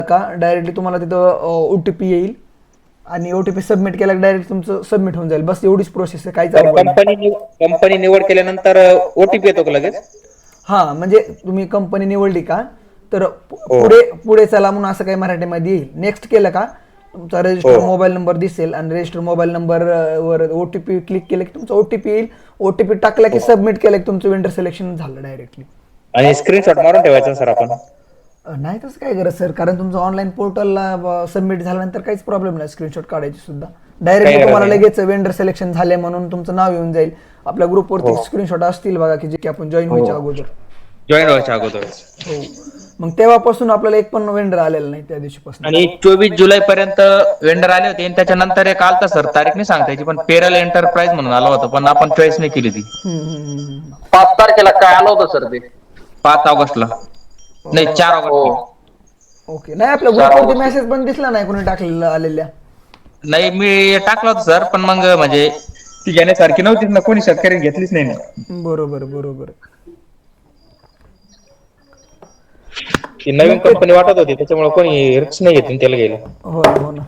का डायरेक्टली तुम्हाला तिथं OTP येईल आणि OTP सबमिट केला की डायरेक्ट तुमचं सबमिट होऊन जाईल. बस एवढीच प्रोसेस आहे, काहीच तर अवघड नाही. कंपनी निवड केल्यानंतर ओटीपी येतो का लगेच? हां, म्हणजे तुम्ही कंपनी निवडली का तर हो पुढे पुढे चला म्हणून असं काही मराठीमध्ये येईल. नेक्स्ट केलं का तुमचा हो. रजिस्टर मोबाईल नंबर दिसेल आणि रजिस्टर मोबाईल नंबर वर OTP क्लिक केलं की तुमचा OTP येईल. OTP टाकला की हो. सबमिट केलं की तुमचं वेंडर सिलेक्शन झालं डायरेक्टली. आणि स्क्रीनशॉट मारून ठेवायचा सर आपण. नाही तसं काय गरज सर, कारण तुमचं ऑनलाईन पोर्टलला सबमिट झाल्यानंतर काहीच प्रॉब्लेम नाही स्क्रीनशॉट काढायची सुद्धा. काही डायरेक्टली गरज तुम्हाला नाही. लगेच वेंडर सिलेक्शन झाले म्हणून तुमचं नाव येऊन जाईल. आपल्या ग्रुपवरती हो स्क्रीनशॉट असतील बघा की जे की आपण जॉईन हो. व्हायच्या अगोदर. जॉईन व्हायच्या अगोदर. हो. मग तेव्हापासून आपल्याला एक पण वेंडर आलेला नाही त्या दिवशीपासून. आणि 24 जुलै पर्यंत वेंडर आले होते आणि त्याच्यानंतर एक आलता सर, तारीख नाही सांगता याची, पण पेरल एंटरप्राइज म्हणून आला होता, पण आपण चॉईस नाही केली ती. 5 तारखेला काय आलं होतं सर ते? 5 ऑगस्टला. नाही, 4 ऑगस्टला. ओके. नाही आपल्या 4 ग्रुपवरती ऑगस्ट. मेसेज पण दिसला नाही कोणी टाकलेला आलेल्या. नाही, मी टाकला होता सर, पण मग म्हणजे ती घेण्यासारखी नव्हतीच ना, कोणी शेतकऱ्यांनी घेतलीच नाही ना. बरोबर बरोबर. ती नवीन मग ते कंपनी वाटत होती, त्याच्यामुळे कोणी रिस्क नाही घेतली त्याला घ्यायला. हो ना हो ना.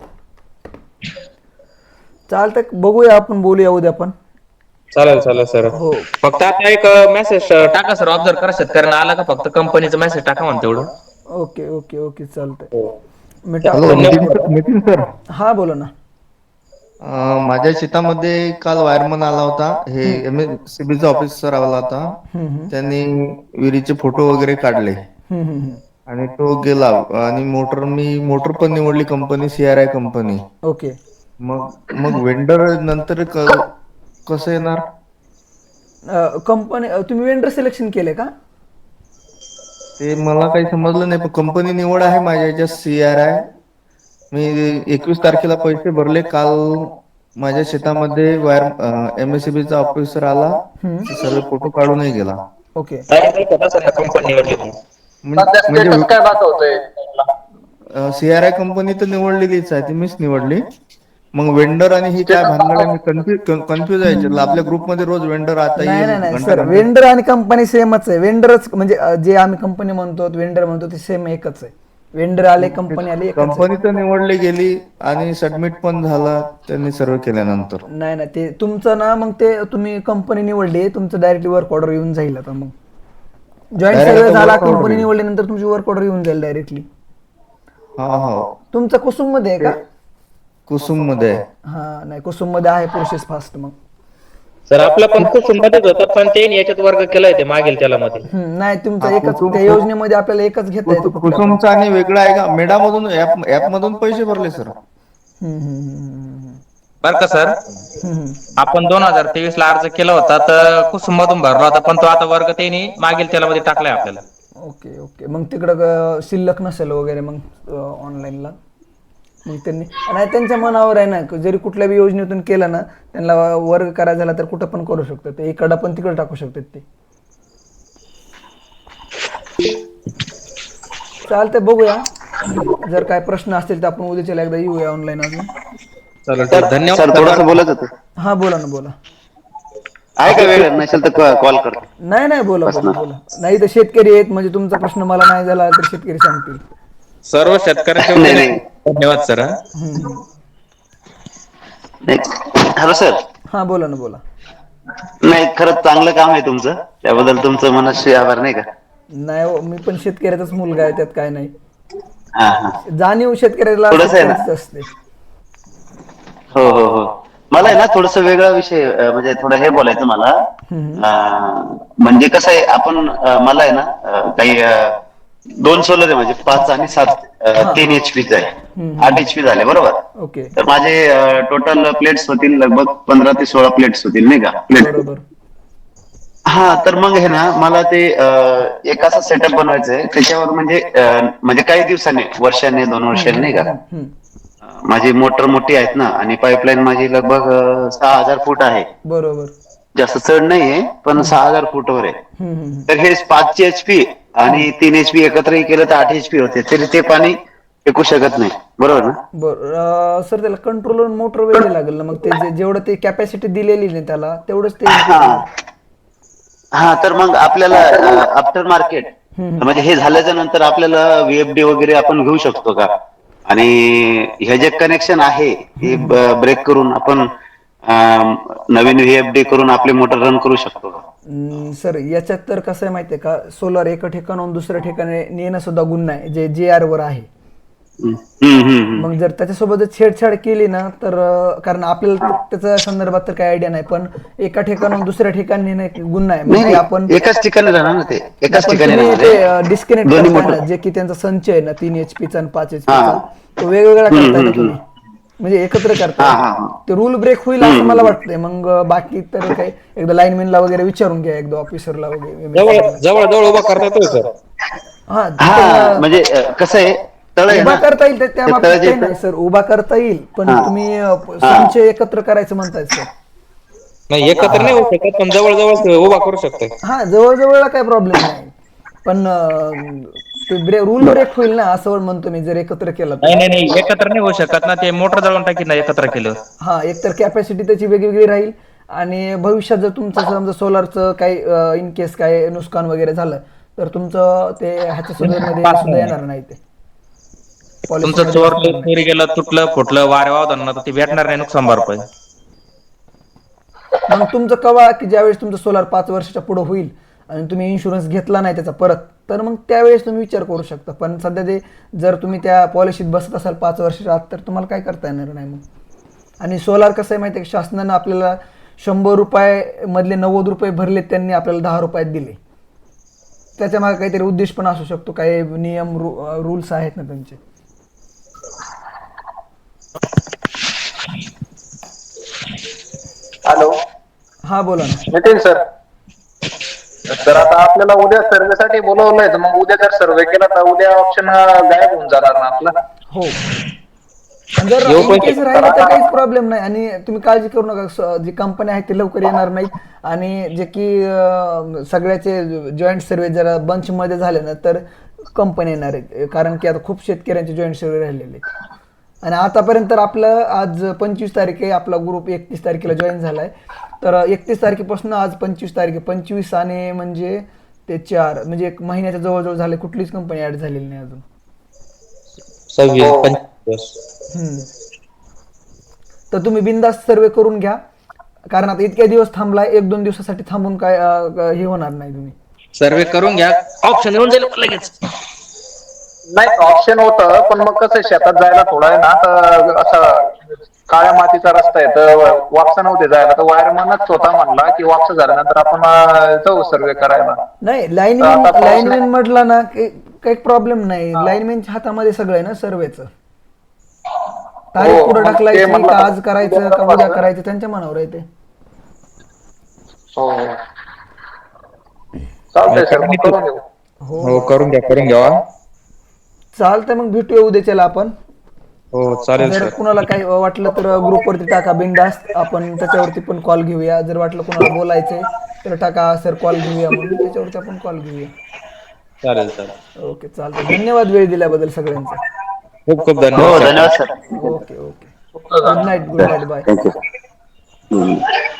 चालतंय, बघूया आपण, बोलूया उद्या पण. चालेल चालेल सर. हो. फक्त आता एक मेसेज टाका सर, ऑब्झर्व करा शेतकऱ्यांना आला का, फक्त कंपनीचा मेसेज टाका म्हणते तेवढं. ओके ओके ओके चालतंय. हो. मी हॅलो टाकतो. नितीन सर. हा बोला ना. माझ्या शेतामध्ये काल वायरमन आला होता. हे MSCB चा ऑफिसर आला होता. त्यांनी विहिरीचे फोटो वगैरे काढले आणि तो गेला. आणि मोटर पण निवडली कंपनी CRI कंपनी. ओके. मग वेंडर नंतर कसं येणार? कंपनी तुम्ही वेंडर सिलेक्शन केले का? ते मला काही समजलं नाही, पण कंपनी निवड आहे माझ्या याच्यात CRI. मी 21 तारखेला पैसे भरले. काल माझ्या शेतामध्ये MSCB चा ऑफिसर आला, सर्व फोटो काढूनही गेला. ओके. कंपनी निवडली. सध्या म्हणजे स्टेटस काय दाखवतोय? CRI कंपनी तर निवडलेलीच आहे, ती मीच निवडली. मग वेंडर आणि ही काय स्टेटस भानगड आहे, मी कन्फ्युज आहे याच्यातलं. आपल्या ग्रुपमध्ये रोज वेंडर आता नाही येईल नाही नाही घंटा सर, घंटा. वेंडर आणि कंपनी सेमच आहे. वेंडरच म्हणजे जे आम्ही कंपनी म्हणतो वेंडर म्हणतो ते सेम एकच आहे. वेंडर आले कंपनी आली एकच कंपनी आहे. तर निवडली गेली आणि सबमिट पण झाला त्यांनी सर्व केल्यानंतर. नाही नाही, ते तुमचं ना, मग ते तुम्ही कंपनी निवडली, तुमचं डायरेक्टली वर्क ऑर्डर येऊन जाईल. आता मग जॉईन डायरेक्ट सगळं आता झाला, वर्क ऑर्डर कंपनी येईल. निवडल्यानंतर तुमची वर्क ऑर्डर येऊन जाईल डायरेक्टली. हा हा. तुमचं कुसुम मध्ये आहे का? कुसुम मध्ये आहे. हा नाही, कुसुम मध्ये आहे प्रोसेस फास्ट. मग सर आपला पण कुसुम मध्येच होता, पण ते याच्यात वर्ग केलाय ते मागील त्याला मध्ये. नाही, तुमचं हा, एकच, त्या योजनेमध्ये आपल्याला एकच घेता येतो कुठल्या पण. कुसुमचा आणि वेगळा आहे का? मेडामधून ऍप मधून पैसे भरले सर. बर का सर, हम्म. आपण 2023 ला अर्ज केला होता, तर कुसुम मधून भरला होता, पण तो आता वर्ग त्यांनी मागील त्याला मध्ये टाकलाय आपल्याला. Okay okay. मग तिकडं शिल्लक नसेल वगैरे मग ऑनलाईनला. मग त्यांनी नाही, त्यांच्या मनावर आहे ना, जरी कुठल्या बी योजनेतून केलं ना, त्यांना वर्ग करायचा झाला तर कुठं पण करू शकतात ते, इकडं पण तिकडं टाकू शकतात ते. चालतंय, बघूया. जर काय प्रश्न असतील तर आपण उद्याच्याला एकदा येऊया ऑनलाईन अजून. चालेल सर ठीक, धन्यवाद सर सर. थोडंसं बोलत होतं. हा बोला ना, बोला. आहे का वेळ? नसेल तर कॉल करतो. नाही नाही, बोला बोला पर्सनल. बोला. नाही तर शेतकरी आहेत, म्हणजे तुमचा प्रश्न मला नाही झाला तर शेतकरी सांगतील. सर्व शेतकऱ्यांच्या नाही वतीने नाही धन्यवाद सर. नाही. Hello sir. हा बोला ना, बोला. नाही, खरंच चांगलं काम आहे तुमचं, त्याबद्दल तुमचं मनस्वी आभार, नाही का? नाही हो, मी पण शेतकऱ्याचाच मुलगा आहे, त्यात काय नाही. हा हा. जाणीव शेतकऱ्याला थोडंसं आहे ना. शेतकऱ्याचीच असते. हो हो हो. मला आहे ना थोडस वेगळा विषय, म्हणजे थोडं हे बोलायचं मला. म्हणजे कसं आहे, आपण मला आहे ना काही 2 सोलर आहे, म्हणजे 5 आणि 7, 3 HP च आहे. 8 HP झाले बरोबर. ओके. तर माझे टोटल प्लेट्स होतील लगभग 15 ते 16 प्लेट्स होतील, नाही का? बरोबर. हा, तर मग हे ना मला ते एक असं सेटअप बनवायचं आहे, त्याच्यावर म्हणजे काही दिवसांनी, वर्षाने 2 वर्षांनी, नाही का? माझी मोटर मोठी आहेत ना, आणि पाईपलाईन माझी लगभग 6000 फूट आहे. बरोबर. जास्त चढ नाहीये, पण 6000 फूटवर आहे. तर हे 5 HP आणि 3 HP एकत्रही केलं तर 8 HP होते, तरी ते पाणी टिकू शकत नाही, बरोबर ना? बरं सर, त्याला कंट्रोलर मोटर वेगळी लागेल ना, मग ते जेवढं ते कॅपॅसिटी दिलेली नाही त्याला तेवढंच ते हा. हा, तर मग आपल्याला आफ्टर मार्केट म्हणजे हे झाल्याच्या नंतर आपल्याला VFD वगैरे आपण घेऊ शकतो का? आणि हे जे कनेक्शन आहे हे ब्रेक करून आपण नवीन VFD करून आपली मोटर रन करू शकतो का? सर याच्यात तर कसं आहे माहिती आहे का, सोलर एका ठिकाणाहून दुसऱ्या ठिकाणी नेणं सुद्धा गुन्हा आहे, जे JR वर आहे. मग जर त्याच्यासोबत जर छेडछाड केली ना तर कारण आपल्याला त्याच्या संदर्भात तर काही आयडिया नाही, पण एका ठिकाणाहून दुसऱ्या ठिकाणी नेणं एक गुन्हा आहे. मग ते आपण एकाच ठिकाणी राहणार ना, ते एकाच ठिकाणी तुम्ही राहणार ते आहे. डिस्कनेक्ट दोन्ही करताय ना, मोटर जे की त्यांचा संच आहे ना 3 HP चा आणि 5 HP चा, तो वेगवेगळा करताय ना तुम्ही, म्हणजे एकत्र करताय. ते रूल ब्रेक होईल असं मला वाटतंय. मग बाकी तर काही एकदा लाईनमॅनला वगैरे विचारून घ्या, एकदा ऑफिसरला वगैरे. जवळ जवळ उभा करता येतोय सर. हा म्हणजे कसं आहे, तळ आहे उभा ना, करता येईल त्या बाबतीत तळाच्या काही नाही सर, उभा करता येईल, पण तुम्ही संच एकत्र करायचं म्हणताय सर. नाही एकत्र नाही होऊ शकत, पण जवळ जवळ उभा करू शकतोय. हा जवळजवळला काही प्रॉब्लेम नाही, पण ते रूल ब्रेक होईल ना असं म्हणतो मी, जर एकत्र केलं तर. नाही नाही नाही एकत्र नाही होऊ शकत ना, ते मोटर जळून टाकीत ना एकत्र केलं. हा, एकतर कॅपॅसिटी त्याची वेगवेगळी राहील, आणि भविष्यात जर तुमचं समजा सोलारचं काही इन केस काय नुकसान वगैरे झालं तर तुमचं ते ह्याच्या सुद्धा सुद्धा येणार नाही, ते तुमचं चोरी गेलं, तुटलं फुटलं वारे वावदान तर ते भेटणार नाही नुकसान भरपाई. मग तुमचं कवा की ज्यावेळेस तुमचं सोलार 5 वर्षाच्या पुढे होईल आणि तुम्ही इन्शुरन्स घेतला नाही त्याचा परत, तर मग त्यावेळेस तुम्ही विचार करू शकता. पण सध्या ते जर तुम्ही त्या पॉलिसीत बसत असाल 5 वर्षाच्या आत, तर तुम्हाला काय करता येणार नाही मग. आणि सोलार कसं आहे माहिती आहे, शासनानं आपल्याला 100 रुपये मधले 90 रुपये भरले, त्यांनी आपल्याला 10 रुपयात दिले. त्याच्या मागे काहीतरी उद्देश पण असू शकतो, काही नियम रूल्स आहेत ना त्यांचे. हॅलो, हा बोला ना. नितीन सर. तर आता आपल्याला उद्या सर्वेसाठी बोलवलंय, तर मग उद्या जर सर्वे केला तर उद्या ऑप्शन गायब होऊन जाणार ना आपला. हो, आणि जर इन केस राहिलं तर काहीच प्रॉब्लेम नाही, आणि तुम्ही काळजी करू नका. जी कंपनी आहे ते लवकर येणार नाहीत, आणि जे की सगळ्याचे जॉईंट सर्वे जरा बंच मध्ये झाले ना तर कंपनी येणार आहेत, कारण की आता खूप शेतकऱ्यांचे जॉईंट सर्वे राहिलेले. आणि आतापर्यंत तर आपलं आज 25 तारीख आहे, आपला ग्रुप 31 तारखेला जॉईन झालाय. तर 31 तारखेपासून आज 25 तारीख आहे, 25 आणि म्हणजे ते 4 म्हणजे 1 महिन्याच्या जवळजवळ झाले, कुठलीच कंपनी ऍड झालेली नाही अजून. 26-25. तर तुम्ही बिनधास्त सर्वे करून घ्या, कारण आता इतक्या दिवस थांबलाय, 1-2 दिवसासाठी थांबून काय हे होणार नाही. तुम्ही सर्वे करून घ्या, ऑप्शन येऊन जाईल लगेच. नाही ऑप्शन होतं, पण मग कसं शेतात जायला थोडं आहे ना, तर असं काळ्या मातीचा रस्ता आहे, तर वापसा नव्हते जायला, तर वायरमनच स्वतः म्हणला की वापसा झाल्यानंतर आपण जाऊ सर्वे करायला. नाही, लाईनमॅन म्हटलं ना काही प्रॉब्लेम नाही, लाईनमॅनच्या हातामध्ये सगळं आहे ना सर्वेचं. तारीख पुढे ढकलायची का आज करायचं का उद्या करायचं, त्यांच्या मनावर आहे ते. हो, चालतंय सर, मग करून घेऊ. हो करून घ्या. चालतंय, मग भेटूया उद्याच्याला आपण. हो चालेल जर सर. कुणाला काही वाटलं तर ग्रुपवरती टाका बिनधास्त, आपण त्याच्यावरती पण कॉल घेऊया. जर वाटलं कुणाला बोलायचंय तर टाका सर कॉल घेऊया म्हणून, त्याच्यावरती आपण कॉल घेऊया. चालेल. ओके, चालतंय. धन्यवाद वेळ दिल्याबद्दल सगळ्यांचा. खूप खूप हो धन्यवाद. धन्यवाद sir. Okay. Good night, bye. Thank you.